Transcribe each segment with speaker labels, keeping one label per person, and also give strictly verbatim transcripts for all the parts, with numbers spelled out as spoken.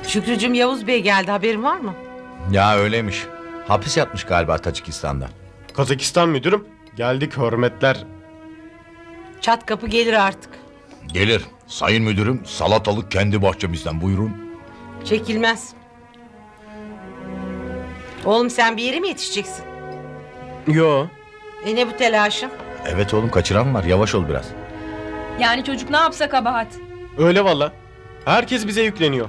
Speaker 1: Şükrücüğüm, Yavuz Bey geldi, haberin var mı?
Speaker 2: Ya öyleymiş. Hapis yatmış galiba Tacikistan'da.
Speaker 3: Kazakistan müdürüm. Geldik, hürmetler.
Speaker 1: Çat kapı gelir artık.
Speaker 2: Gelir. Sayın müdürüm, salatalık kendi bahçemizden, buyurun.
Speaker 1: Çekilmez. Oğlum, sen bir yere mi yetişeceksin?
Speaker 3: Yo.
Speaker 1: E ne bu telaşın?
Speaker 2: Evet oğlum, kaçıran var, yavaş ol biraz.
Speaker 4: Yani çocuk ne yapsa kabahat.
Speaker 3: Öyle valla. Herkes bize yükleniyor.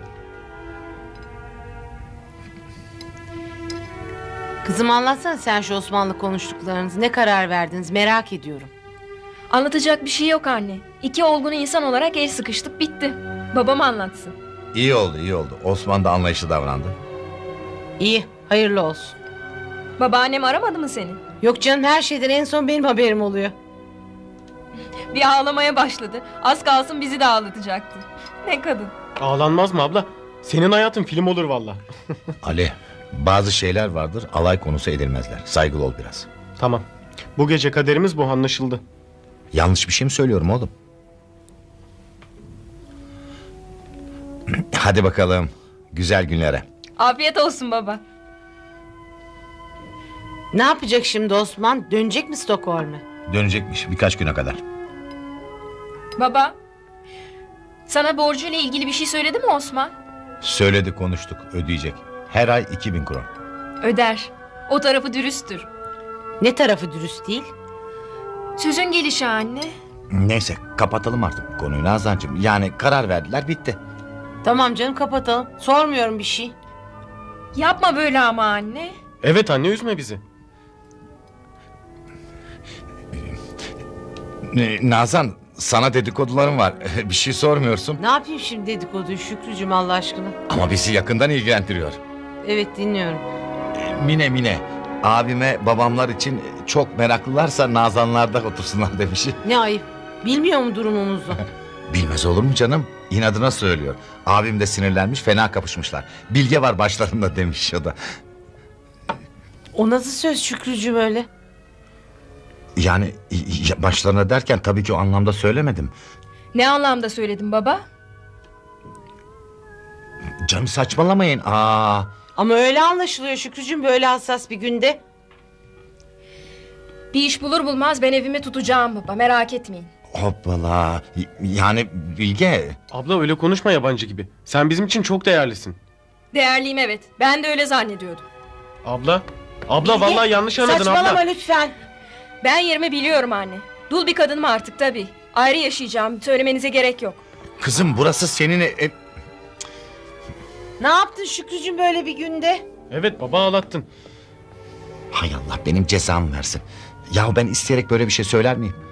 Speaker 1: Kızım, anlatsana sen şu Osman'la konuştuklarınızı. Ne karar verdiniz, merak ediyorum.
Speaker 4: Anlatacak bir şey yok anne. İki olgun insan olarak el sıkıştık, bitti. Babam anlatsın.
Speaker 2: İyi oldu, iyi oldu. Osman da anlayışlı davrandı.
Speaker 1: İyi, hayırlı olsun.
Speaker 4: Babaannem aramadı mı seni?
Speaker 1: Yok canım, her şeyden en son benim haberim oluyor.
Speaker 4: Bir ağlamaya başladı. Az kalsın bizi de ağlatacaktı. Ne kadın.
Speaker 3: Ağlanmaz mı abla? Senin hayatın film olur valla.
Speaker 2: Ali, bazı şeyler vardır, alay konusu edilmezler. Saygılı ol biraz.
Speaker 3: Tamam. Bu gece kaderimiz bu, anlaşıldı.
Speaker 2: Yanlış bir şey mi söylüyorum oğlum? Hadi bakalım, güzel günlere.
Speaker 4: Afiyet olsun baba.
Speaker 1: Ne yapacak şimdi Osman? Dönecek mi Stockholm'e?
Speaker 2: Dönecekmiş birkaç güne kadar.
Speaker 4: Baba. Sana borcuyla ilgili bir şey söyledi mi Osman?
Speaker 2: Söyledi, konuştuk, ödeyecek. Her ay iki bin kron.
Speaker 4: Öder. O tarafı dürüsttür.
Speaker 1: Ne tarafı dürüst değil?
Speaker 4: Sözün gelişi anne.
Speaker 2: Neyse, kapatalım artık bu konuyu Nazancığım. Yani karar verdiler, bitti.
Speaker 1: Tamam canım, kapatalım. Sormuyorum bir şey.
Speaker 4: Yapma böyle ama anne.
Speaker 3: Evet anne, üzme bizi.
Speaker 2: Ee, Nazan, sana dedikodularım var. Bir şey sormuyorsun.
Speaker 1: Ne yapayım şimdi dedikoduyu Şükrücüğüm, Allah aşkına?
Speaker 2: Ama bizi yakından ilgilendiriyor.
Speaker 1: Evet, dinliyorum.
Speaker 2: Ee, Mine Mine, abime babamlar için çok meraklılarsa Nazanlarda otursunlar demiş.
Speaker 1: Ne ayıp. Bilmiyor mu durumumuzu?
Speaker 2: Bilmez olur mu canım? İnadına söylüyor. Abim de sinirlenmiş, fena kapışmışlar. Bilge var başlarında demiş o da.
Speaker 1: O nasıl söz Şükrücüğüm öyle?
Speaker 2: Yani y- başlarına derken tabii ki o anlamda söylemedim.
Speaker 4: Ne anlamda söyledin baba?
Speaker 2: Canım saçmalamayın. Aa,
Speaker 1: Ama öyle anlaşılıyor Şükrücüğüm, böyle hassas bir günde.
Speaker 4: Bir iş bulur bulmaz ben evimi tutacağım baba, merak etmeyin.
Speaker 2: hoppala. Y- Yani Bilge.
Speaker 3: Abla öyle konuşma yabancı gibi. Sen bizim için çok değerlisin.
Speaker 4: Değerliyim evet. Ben de öyle zannediyordum.
Speaker 3: Abla. Abla vallahi yanlış anladın
Speaker 1: Saçmalama
Speaker 3: abla.
Speaker 1: lütfen.
Speaker 4: Ben yerimi biliyorum anne. Dul bir kadınım artık tabii. Ayrı yaşayacağım. Söylemenize gerek yok.
Speaker 2: Kızım, burası senin ev.
Speaker 1: Ne yaptın Şükrücüğüm böyle bir günde?
Speaker 3: Evet baba, ağlattın.
Speaker 2: Hay Allah benim cezamı versin. Ya ben isteyerek böyle bir şey söyler miyim?